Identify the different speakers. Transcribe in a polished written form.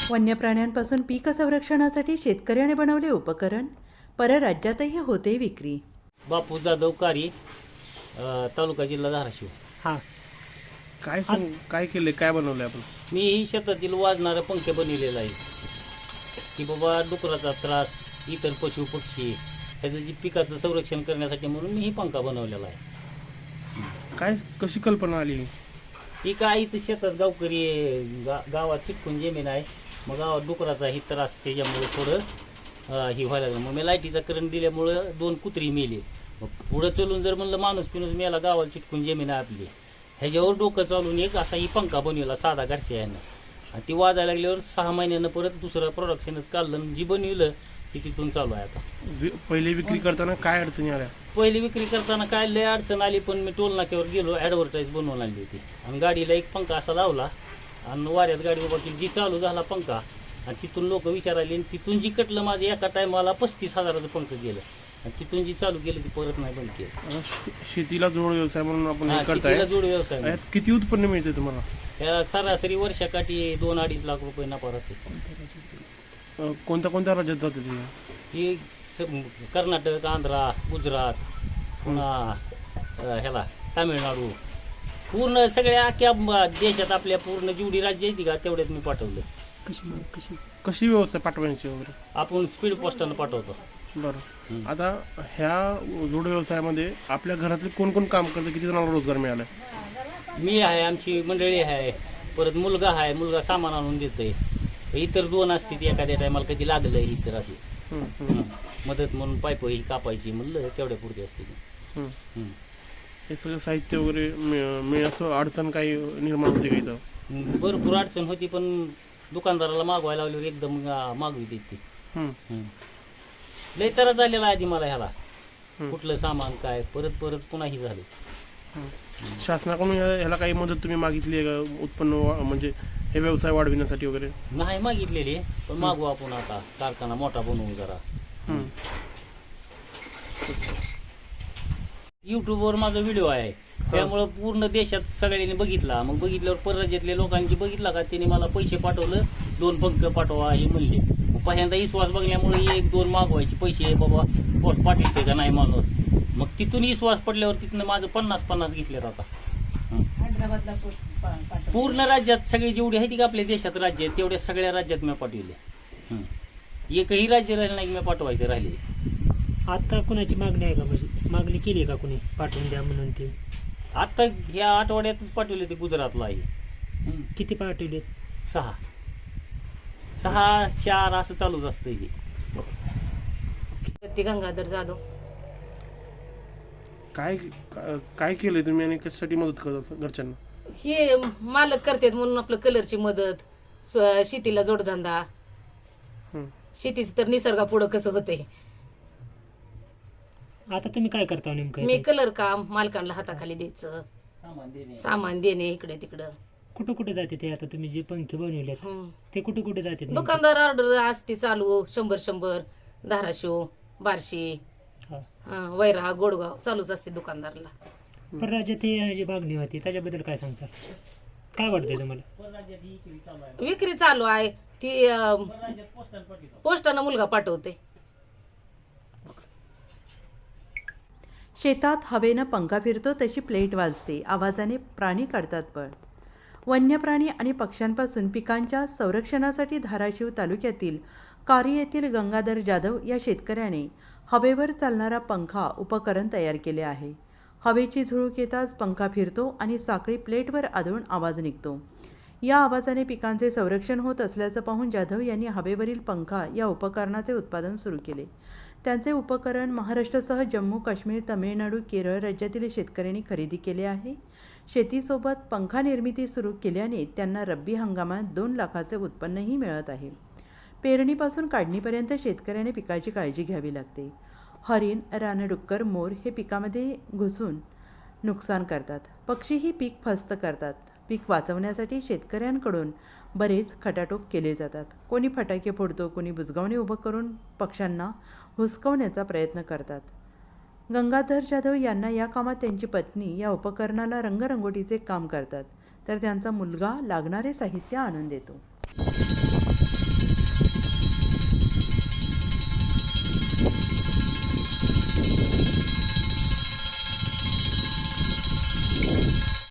Speaker 1: वन्य प्राण्यांपासून पीक संरक्षणासाठी शेतकऱ्याने बनवले उपकरण परराज्यातही होते विक्री.
Speaker 2: बापू जाधव कारी, तालुका जिल्हा धाराशिव.
Speaker 3: हां, काय केले, काय बनवले आपण?
Speaker 2: मी ही शेतातील वाजणारं पंखे बनवलेलं आहे की बाबा डुकराचा त्रास, इतर पशु पक्षी ह्याचं जी पिकाचं संरक्षण करण्यासाठी म्हणून मी ही पंखा बनवलेला आहे.
Speaker 3: कशी कल्पना आली?
Speaker 2: ही काय इथं शेतात गावकरी गावात चिटकून जमीन आहे, मग गावात डुकराचा ही त्रास त्याच्यामुळे थोडं ही व्हायला लागलं. मग मी लाईटीचा करंट दिल्यामुळं 2 कुत्री मेली. मग पुढं चलून जर म्हणलं माणूस पिणूस मेला, गावाला चिटकून जमीन आहे आपली, ह्याच्यावर डोकं चालून एक असा ही पंखा बनवला साधा घरच्या यानं. आणि ती वाजायला लागल्यावर 6 महिन्यानं परत दुसरं प्रोडक्शनच काढलं आणि जी बनविलं ती तिथून चालू आहे आता.
Speaker 3: पहिले विक्री करताना काय अडचणी आल्या?
Speaker 2: पहिली विक्री करताना काय लय अडचण आली, पण मी टोल नाक्यावर गेलो, ॲडव्हर्टाईज बनवून आणली होती आणि गाडीला एक पंखा असा लावला आणि वाऱ्यात गाडी उभा केली, जी चालू झाला पंखा आणि तिथून लोक विचारायले आणि तिथून जी कटलं माझं एका टायमाला 35,000चं पंखं गेलं आणि तिथून जी चालू केलं ती परत नाही बंद केलं.
Speaker 3: शेतीला जोड व्यवसाय म्हणून आपण हे
Speaker 2: शेतीला
Speaker 3: करताय.
Speaker 2: जोड व्यवसाय.
Speaker 3: यात किती उत्पन्न मिळते तुम्हाला?
Speaker 2: त्या सरासरी वर्षाकाठी 2-2.5 लाख रुपये नफा राहते.
Speaker 3: कोणत्या राज्यात जाते ती?
Speaker 2: ही कर्नाटक, आंध्रा, गुजरात, पुन्हा ह्याला तामिळनाडू, पूर्ण सगळ्या अख्ख्या देशात आपल्या पूर्ण जेवढी राज्य आहेत का तेवढ्यात मी पाठवलं.
Speaker 3: कशी व्यवस्था पाठवायची वगैरे?
Speaker 2: आपण स्पीड पोस्टानं पाठवतो.
Speaker 3: बरं, आता ह्या जोड व्यवसायामध्ये आपल्या घरातले कोण कोण काम करतं? किती जणांना रोजगार मिळाला?
Speaker 2: मी आहे, आमची मंडळी आहे, परत मुलगा आहे, मुलगा सामान आणून देतोय. इतर 2 असते ती एखाद्या टायमाला कधी लागलं इतर अशी मदत म्हणून पाईप ही कापायची म्हणलं तेवढ्या पुरती असते.
Speaker 3: हे सगळं साहित्य वगैरे असं अडचण काही निर्माण होते का इथं?
Speaker 2: भरपूर अडचण होती, पण दुकानदाराला मागवायला लावल्यावर एकदम मागवी देते. लय त्रास झालेला आधी मला ह्याला, कुठलं सामान काय परत पुन्हा ही झालं.
Speaker 3: शासनाकडून ह्याला काही मदत तुम्ही मागितली आहे का? उत्पन्न म्हणजे हे व्यवसाय वाढविण्यासाठी वगैरे?
Speaker 2: नाही मागितलेली, पण मागू आपण आता कारखाना मोठा बनवून जरा. युट्यूबवर माझा व्हिडिओ आहे, त्यामुळं पूर्ण देशात सगळ्यांनी बघितला. मग बघितल्यावर परराज्यातल्या लोकांची बघितला का त्यांनी मला पैसे पाठवलं, 2 पंख पाठवा हे म्हणले. पहिल्यांदा विश्वास बघल्यामुळे 1-2 मागवायचे पैसे, बाबा पोट पाठवते का नाही माणूस. मग तिथून विश्वास पडल्यावर तिथनं माझं 50-50 घेतलेत आता. पूर्ण राज्यात सगळे जेवढे आहेत का आपल्या देशात राज्य आहेत तेवढ्या सगळ्या राज्यात मी पाठवले. एकही राज्य राहिलं नाही मी पाठवायचे राहिले.
Speaker 4: आता कुणाची मागणी आहे का? म्हणजे मागणी केली आहे का कुणी पाठवून द्या म्हणून? ते
Speaker 2: आता ह्या आठवड्यातच पाठवले ते गुजरातला आहे.
Speaker 4: किती पाठवले?
Speaker 2: 6-4 असं चालूच असतं हे.
Speaker 5: ते गंगाधर जाधव.
Speaker 3: काय केलंय तुम्ही आणि कशासाठी मदत करता घरच्यांना?
Speaker 5: हे मालक करतात म्हणून आपलं कलरची मदत, शेतीला जोडधंदा, शेतीच तर निसर्गापुढं कसं होतंय.
Speaker 4: आता तुम्ही काय करता नेमकं?
Speaker 5: मी कलर काम मालकांना हाताखाली द्यायचं, सामान देणे इकडे तिकडं.
Speaker 4: कुठं कुठे जाते ते? आता तुम्ही जे पंखे बनवलेत ते कुठे कुठे जाते?
Speaker 5: दुकानदार ऑर्डर असते चालू, 100 धाराशिव, बार्शी, वैरा, गोडगाव चालूच असते दुकानदारला.
Speaker 4: परराज्यात हे जी मागणी होती त्याच्याबद्दल काय सांगता? काय वाटतंय तुम्हाला?
Speaker 5: विक्री चालू आहे ती, पोस्टानं मुलगा पाठवते.
Speaker 1: शेतात हवेनं पंखा फिरतो तशी प्लेट वाजते, आवाजाने प्राणी काढतात पळ. वन्य प्राणी आणि पक्ष्यांपासून पिकांच्या संरक्षणासाठी धाराशिव तालुक्यातील कारी येथील गंगाधर जाधव या शेतकऱ्याने हवेवर चालणारा पंखा उपकरण तयार केले आहे. हवेची झुळूक येताच पंखा फिरतो आणि साखळी प्लेटवर आदळून आवाज निघतो. या आवाजाने पिकांचे संरक्षण होत असल्याचं पाहून जाधव यांनी हवेवरील पंखा या उपकरणाचे उत्पादन सुरू केले. त्यांचे उपकरण महाराष्ट्रासह जम्मू काश्मीर, तामिळनाडू, केरळ राज्यातील शेतकऱ्यांनी खरेदी केले आहे. शेतीसोबत पंखा निर्मिती सुरू केल्याने त्यांना रब्बी हंगामात 2 लाखाचे उत्पन्नही मिळत आहे. पेरणीपासून काढणीपर्यंत शेतकऱ्याने पिकाची काळजी घ्यावी लागते. हरिण, रानडुक्कर, मोर हे पिकामध्ये घुसून नुकसान करतात. पक्षीही पीक फस्त करतात. पीक वाचवण्यासाठी शेतकऱ्यांकडून बरेच खटाटोप केले जातात. कोणी फटाके फोडतो, कोणी बुजगावणे उभं करून पक्ष्यांना हुसकवण्याचा प्रयत्न करतात. गंगाधर जाधव यांना या कामात त्यांची पत्नी या उपकरणाला रंगरंगोटीचे काम करतात, तर त्यांचा मुलगा लागणारे साहित्य आणून देतो.